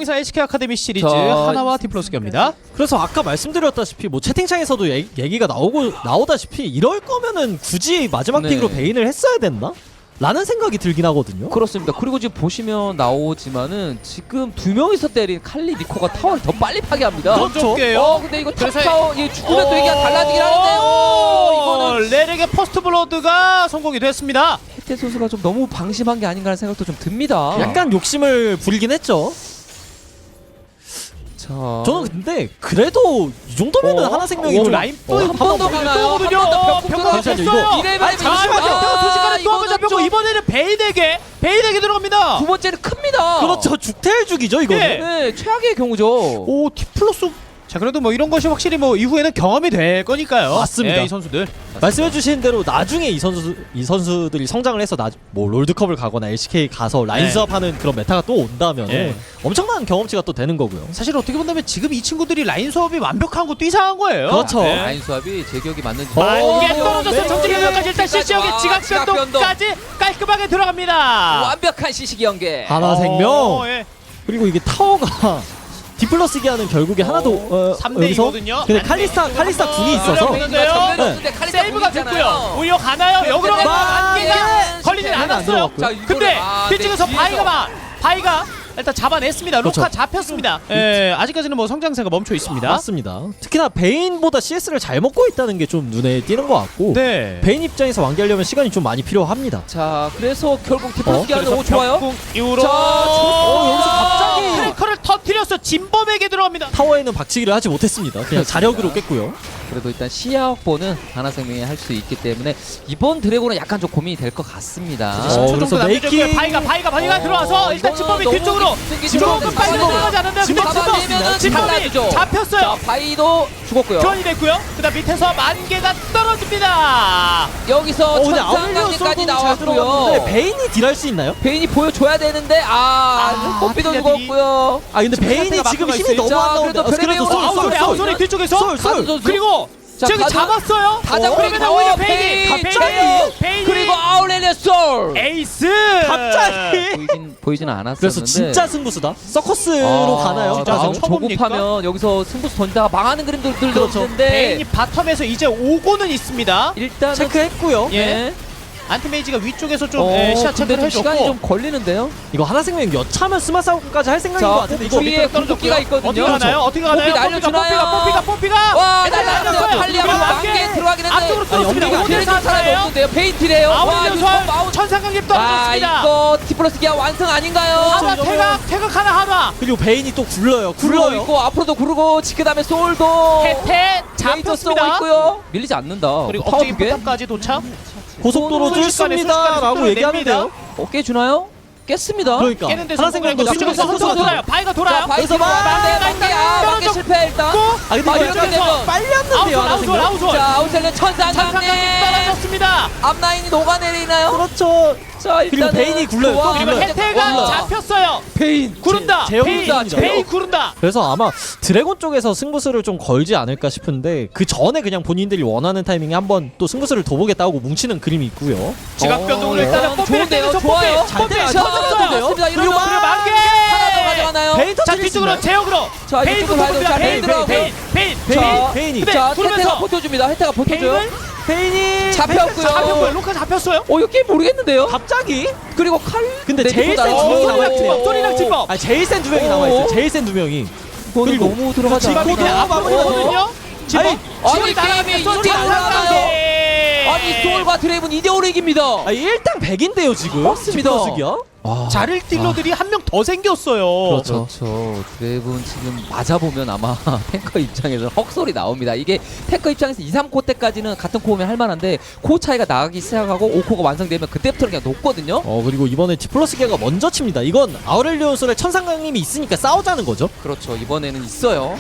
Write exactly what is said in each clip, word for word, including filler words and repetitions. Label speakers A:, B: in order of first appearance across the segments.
A: 이천이십사 엘시케이 아카데미 시리즈
B: 저...
A: 하나와 디플러스기입니다.
C: 그래서 아까 말씀드렸다시피 뭐 채팅창에서도 얘, 얘기가 나오고 나오다시피 이럴 거면은 굳이 마지막
B: 네.
C: 픽으로 베인을 했어야 됐나? 라는 생각이 들긴 하거든요.
B: 그렇습니다. 그리고 지금 보시면 나오지만은 지금 두 명이서 때린 칼리 니코가 타워를 더 빨리 파괴합니다.
C: 그렇죠.
B: 어 근데 이거 탑
A: 그래서-
B: 타워 이 죽으면 또 얘기가 달라지긴 하는데 오, 이거는
A: 레렉의 퍼스트 블러드가 성공이 됐습니다.
B: 혜태 선수가 좀 너무 방심한 게 아닌가 하는 생각도 좀 듭니다.
C: 약간 욕심을 부리긴 했죠.
B: 자
C: 저는 근데 그래도 이 정도면은
B: 어?
C: 하나생명이
A: 오,
C: 좀
A: 라인
C: 어,
A: 또
B: 한 번 더 가나요?
A: 거든요.
B: 한번더 벽
A: 평가
C: 잠시만요,
A: 됐어요.
C: 이거.
B: 이레벨
A: 아니, 잠시만요.
B: 아,
A: 순식간에 또 한 번
B: 이거는
A: 잡혔고
B: 좀-
A: 이번에는 베인에게 베인에게 들어갑니다.
B: 두 번째는 큽니다.
C: 그렇죠. 죽태일죽이죠 이거는.
A: 네.
B: 네, 최악의 경우죠.
A: 오 티플러스. 자 그래도 뭐 이런 것이 확실히 뭐 이후에는 경험이 될 거니까요.
C: 맞습니다.
A: 네, 이 선수들.
C: 말씀해주신 대로 나중에 이 선수 이 선수들이 성장을 해서 나, 뭐 롤드컵을 가거나 엘시케이 가서 라인
A: 네.
C: 수업하는 그런 메타가 또 온다면
A: 네.
C: 엄청난 경험치가 또 되는 거고요.
A: 사실 어떻게 본다면 지금 이 친구들이 라인 수업이 완벽한 것도 이상한 거예요.
C: 그렇죠.
A: 네.
B: 라인 수압이 제 기억이 맞는지
A: 만개
B: 오,
A: 떨어져서
B: 네.
A: 정지 변경까지 일단 시시역의
B: 아,
A: 지각
B: 지각 변동.
A: 변동까지 깔끔하게 들어갑니다.
B: 완벽한 시식이 연계.
C: 하나생명
A: 어, 예.
C: 그리고 이게 타워가 디플러스기 하는 결국에 하나도 어,
A: 삼 대
C: 여기서
A: 이거든요.
C: 근데 칼리스타 칼리스타 궁이 있어서
A: 노려보는데요.
B: 네.
A: 세이브가 됐고요. 오히려 가나요? 역으로
B: 네.
A: 가나요? 만개가
B: 네.
A: 걸리진
B: 네.
A: 않았어요.
C: 들어갔고요.
B: 자, 이거를-
A: 근데
B: 아,
A: 뒤쪽에서
B: 네,
A: 바이가
B: 뒤에서.
A: 막 바이가 일단 잡아냈습니다.
C: 그렇죠.
A: 로카 잡혔습니다. 예, 아직까지는 뭐 성장세가 멈춰 있습니다.
C: 맞습니다. 특히나 베인보다 씨에스를 잘 먹고 있다는 게 좀 눈에 띄는 것 같고
A: 네.
C: 베인 입장에서 완결하려면 시간이 좀 많이 필요합니다.
B: 자, 그래서 결국 디플러스기
C: 어,
B: 하는 오 좋아요.
A: 벽궁 이후로
B: 자,
C: 어, 여기서 갑자기
A: 크래커를 터뜨려서 진범에게 들어갑니다.
C: 타워에는 박치기를 하지 못했습니다. 그냥 자력으로 깼고요.
B: 그래도 일단 시야 확보는 하나생명이 할 수 있기 때문에 이번 드래곤은 약간 좀 고민이 될 것 같습니다.
C: 어,
A: 십 초
C: 그래서
A: 정도 남겨줬고요.
C: 메이킹-
A: 바이가 바이가 바이가
B: 어,
A: 들어와서 일단
B: 이거는
A: 진범이
B: 너무
A: 뒤쪽으로
B: 깊숙이
A: 조금
B: 들어가는
A: 빨리
B: 진범.
A: 들어가지 않는데
B: 진범
A: 근데
B: 잡아내면은
A: 진범이
B: 달라지죠.
A: 잡혔어요.
B: 자, 바이도 죽었고요.
A: 교환이 됐고요. 그다음 밑에서 만개가 떨어집니다.
B: 여기서
C: 어, 근데
B: 천상강림까지
C: 아울리오 잘
B: 나왔고요.
C: 들어갔는데 베인이 딜할 수 있나요?
B: 베인이 보여줘야 되는데 아,
A: 아,
B: 뽀삐도
A: 아틀레틱이-
B: 죽었고요.
C: 아 근데
A: 지금
C: 베인이
A: 상태가
C: 지금
A: 막혀가
C: 힘이
A: 있어요.
C: 너무
B: 자,
C: 안 나오는데
B: 그래도
C: 아, 그래도
B: 베인이
C: 쏠,
B: 아웃,
C: 쏠,
A: 아웃소리
C: 쏠.
A: 아웃소리 뒤쪽에서
C: 쏠, 쏠.
B: 가드 선수.
A: 그리고
B: 자,
A: 저기
B: 가드.
A: 잡았어요.
B: 다 잡고
A: 그러면
B: 나와,
A: 오히려
B: 베인.
A: 베인이
C: 갑자기.
A: 베인이
B: 그리고 아울렐리아 솔.
A: 에이스
C: 갑자기
B: 보이진 보이지는 않았었는데.
C: 그래서 진짜 승부수다. 서커스로
B: 아,
C: 가나요?
A: 진짜
B: 마음
A: 좀 쳐봅니까?
B: 조급하면 여기서 승부수 던지다가 망하는 그림들도
C: 그렇죠.
B: 있는데
A: 베인이 바텀에서 이제 오고는 있습니다.
B: 일단은
C: 체크했고요.
A: 예.
B: 네.
A: 안티메이지가 위쪽에서 좀
B: 어,
A: 예, 시야
B: 근데
A: 체크를
B: 좀 시간이
A: 해줬고
B: 좀 걸리는데요.
C: 이거 하나생명 여차면 스마싸움까지 할 생각인 것
B: 자,
C: 같은데 이거
B: 뒤에 궁극기가 있거든요.
A: 어떻게 가나요? 어떻게 가나요?
B: 뽀삐 날려주나요?
A: 뽀삐가 뽀삐가 뽀삐가
B: 와,
A: 일단
B: 날라갔어요.
A: 날렸어요.
B: 칼리아가
A: 그리고
B: 만개에 들어가긴 했는데
A: 앞쪽으로 뚫었습니다.
C: 연기가
A: 오늘
B: 딜 사람이
A: 사람이에요.
B: 없는데요. 페인트래요. 와,
A: 아웃
B: 이거
A: 연설
B: 아웃.
A: 천상강림
B: 아,
A: 떨어졌습니다.
B: 이거 디플러스 기아 완성 아닌가요?
A: 하나 태각 태각 하나 하나
C: 그리고 베인이 또 굴러요.
B: 굴러
C: 굴러요.
B: 있고 앞으로도 구르고 그 다음에 솔도
A: 태태
B: 레이저 쏘고
A: 잡혔습니다.
B: 있고요. 밀리지 않는다.
A: 그리고
B: 파워
A: 억제기
B: 두 개.
A: 포탑까지 도착.
C: 고속도로
A: 순식간에,
C: 뚫습니다.
A: 순식간에
C: 라고
A: 속도를
C: 얘기하면
A: 냅니다.
C: 돼요.
B: 어, 깨주나요? 깼습니다.
C: 그러니까
A: 깨는데
C: 하나생명도
A: 성공했고 뒤쪽에서
C: 승부수가
A: 선수가 돌아요.
C: 들어가요.
A: 바이가
B: 자,
A: 돌아요.
B: 바이
C: 그래서
B: 들어가.
C: 막-
B: 만개, 만개, 아, 만개 실패 일단.
C: 아 근데
B: 아,
C: 이거
B: 이렇게
C: 약간
B: 되면
C: 빨렸는데요.
A: 아웃솔 아웃솔
C: 하나생명.
A: 아웃솔.
B: 자, 아웃셀레 천상강림.
A: 천상강림 떨어졌습니다.
B: 앞라인이 녹아내리나요?
C: 그렇죠.
B: 자,
C: 그리고
B: 일단은
C: 베인이 굴러요.
B: 좋아.
C: 또
A: 그리고
C: 굴러요.
A: 혜태가
B: 와.
A: 잡혔어요.
B: 베인.
A: 구른다.
C: 제-
A: 베인
C: 제형입니다.
A: 베인 구른다.
C: 그래서 아마 드래곤 쪽에서 승부수를 좀 걸지 않을까 싶은데 그 전에 그냥 본인들이 원하는 타이밍에 한번 또 승부수를 더 보겠다 하고 뭉치는 그림이 있고요.
A: 지각 변동으로
B: 어,
A: 일단은 뽀삐를
B: 좋은데요?
A: 때려서
B: 좋아요.
A: 뽀삐
C: 잘
A: 뽀삐
C: 때려요.
A: 터졌어요.
B: 맞습니다.
A: 그리고
B: 이러면
A: 그리고 만개
B: 하나 더 가져가나요?
C: 베인
A: 자
C: 터뜨릴 수
A: 뒤쪽으로
C: 있나요?
A: 제역으로
B: 자,
A: 베인
B: 이쪽으로 가야 돼요. 자, 베인
A: 베인
B: 들어가고요.
A: 베인 베인
C: 베인,
A: 베인
C: 베인이.
A: 근데
B: 자,
A: 그러면서
B: 혜태가 버텨줍니다. 혜태가 버텨줘요.
A: 베인을
C: 베인이
B: 잡혔고요.
A: 잡혔고요. 로카 잡혔어요.
B: 어, 이거 게임 모르겠는데요?
C: 갑자기
B: 그리고 칼.
C: 근데
B: 네,
C: 제일
B: 니코
C: 센
B: 날아가고.
C: 두 명이
A: 오,
C: 남아있어요.
A: 찐법, 소리랑 찐법.
C: 아 제일 센 두 명이
B: 오.
C: 남아있어요. 제일 센 두 명이.
B: 이거는
C: 그리고
B: 너무 들어가지
C: 지금
B: 않았나?
C: 이게
A: 마무리거든요.
C: 아니,
A: 지금
B: 아니, 게임이 이렇게 올라가나요? 아니, 소울과 드레이븐 이 대 오로 이깁니다.
C: 아 일당 백인데요 지금.
B: 맞습니다.
C: 디플러스기야?
A: 자를 딜러들이 한 명 더 생겼어요.
C: 그렇죠.
B: 그렇죠. 드래곤 지금 맞아보면 아마 탱커 입장에서는 헉소리 나옵니다. 이게 탱커 입장에서 이, 삼 코 때까지는 같은 코어면 할만한데 코 차이가 나가기 시작하고 오 코가 완성되면 그때부터는 그냥 높거든요.
C: 어 그리고 이번에 디플러스기가 먼저 칩니다. 이건 아우렐리온솔의 천상강림이 있으니까 싸우자는 거죠.
B: 그렇죠. 이번에는 있어요.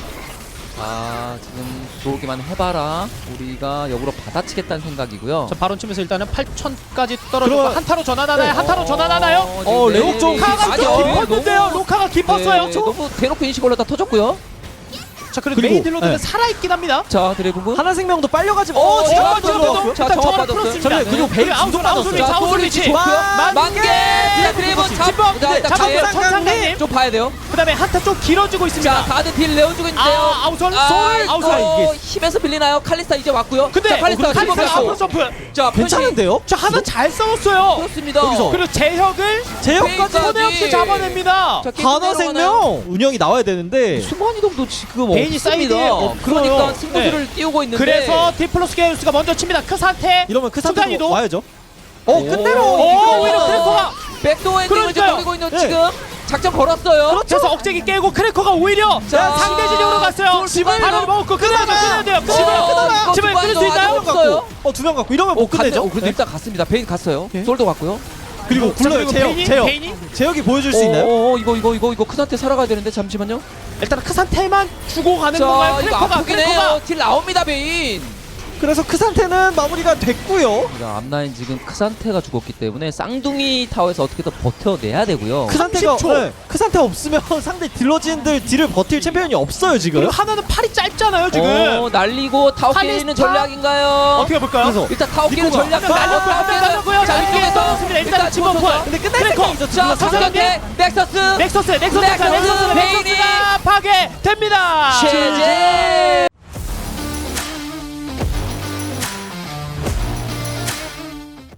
B: 자, 지금 들어오기만 해봐라. 우리가 역으로 받아치겠다는 생각이고요.
A: 자 바론 치면서 일단은 팔천까지 떨어지고
C: 그럼-
A: 한타로 전환하나요?
C: 네.
A: 한타로 전환하나요?
C: 어,
B: 지금
C: 레옥 좀
B: 네,
A: 로카가
B: 아니요,
A: 좀 깊었는데요.
B: 너무-
A: 로카가 깊었어요.
B: 네, 너무 대놓고 인식 올렸다 터졌고요.
A: 자 그래도
C: 그리고,
A: 메인 딜러들은
C: 네.
A: 살아있긴 합니다.
B: 자 드래곤군.
C: 하나생명도 빨려가지 마.
B: 어,
C: 어,
B: 지금
C: 지금
B: 지금
C: 들어갔고요.
B: 자,
A: 일단
B: 정확
A: 정확
B: 받았어요.
A: 풀었습니다.
C: 잠깐만요. 그리고
A: 네.
C: 베인
A: 그리고
C: 중독
A: 아웃솔, 아웃솔,
C: 받았어요.
B: 자
A: 아웃솔
B: 소울
A: 위치.
B: 위치 좋고요.
C: 와,
B: 만개.
C: 만개!
B: 자 드래곤 잡.
A: 진범.
B: 자 일단
A: 잡았어요.
B: 가요.
A: 천상강님.
B: 좀 봐야 돼요.
A: 그다음에 한타 좀 길어지고 있습니다.
B: 자 다들 딜 내어주고 있는데요.
A: 아, 아웃솔,
B: 아,
A: 솔,
B: 이거
A: 아웃솔.
C: 이게-
B: 힘에서 빌리나요? 칼리스타 이제 왔고요.
A: 근데
B: 자 칼리스타
A: 칼리스타
B: 집어갔고.
A: 앞으로 점프.
B: 자 편식.
C: 괜찮은데요?
A: 자 하나 잘 싸웠어요.
B: 그렇습니다.
C: 여기서.
A: 그리고 제혁을
C: 제역까지
B: 베인까지.
A: 손에 없이 잡아냅니다.
B: 자, 게임 내려가나요?
C: 하나생명 운영이 나와야 되는데
B: 순간이동도 지금
A: 베인이 사이드에
B: 없습니다.
A: 없어요.
B: 그러니까 승부수를 띄우고 있는데.
A: 그래서 디플러스 게임스가 먼저 칩니다. 그 상태.
C: 이러면 그
A: 순간
C: 상태로
A: 이동.
C: 와야죠. 어
B: 오.
C: 끝내로
A: 오,
C: 이거.
A: 오히려 크래커가.
B: 백도어 엔딩을 이제
A: 그러니까요.
B: 노리고 있는
C: 네.
B: 지금 작전 걸었어요.
A: 그래서 억제기 깨고 크래커가 오히려
B: 자,
A: 상대 진영으로 갔어요.
B: 집을
A: 바로 먹고 끝내야 돼요. 끝내야 돼요.
B: 어,
A: 집을
B: 이거
A: 집을 끊을 수
B: 중간이동
A: 있나요?
B: 아직 없어요.
C: 어두 명 갖고 이러면
B: 오,
C: 못 끝내죠.
B: 갔네. 어, 그래도 일단 갔습니다. 베인 갔어요.
A: 오케이.
B: 솔도 갔고요.
C: 그리고
A: 자,
C: 굴러요
A: 그리고
C: 제역
A: 베인이?
C: 제역
A: 베인이?
C: 제역이 보여줄 수 있나요?
B: 어, 어, 이거 이거 이거 이거 큰 한테 살아가야 되는데 잠시만요.
A: 일단 그 상태만 주고 가는
B: 자,
A: 건가요?
B: 이거
A: 크래커가
B: 아프긴
A: 크래커가
B: 해요. 딜 나옵니다, 베인.
C: 그래서 그 상태는 마무리가 됐고요.
B: 자, 앞라인 지금 크산테가 죽었기 때문에 쌍둥이 타워에서 어떻게든 버텨내야 되고요.
C: 그 상태가
A: 삼십 초.
C: 네, 그 상태 없으면 상대 딜러진들 딜을 버틸 챔피언이 없어요 지금.
A: 그리고 하나는 팔이 짧잖아요 지금.
B: 어, 날리고 타워
A: 칼리스타?
B: 깨는 전략인가요?
A: 어떻게 볼까요?
C: 그래서
B: 일단 타워 깨는
C: 리코가
B: 전략
A: 한명 날렸고 한명 날렸고요. 자 이쪽에 떨어졌습니다. 일단 집어넣고.
C: 근데 끝날
A: 크래커.
C: 생각이죠.
B: 자,
C: 딜러
A: 삼성이-
B: 삼성대 넥서스
A: 넥서스 넥서스 넥서스
B: 넥서스,
A: 넥서스
B: 베인이.
A: 넥서스가 파괴됩니다.
B: 최재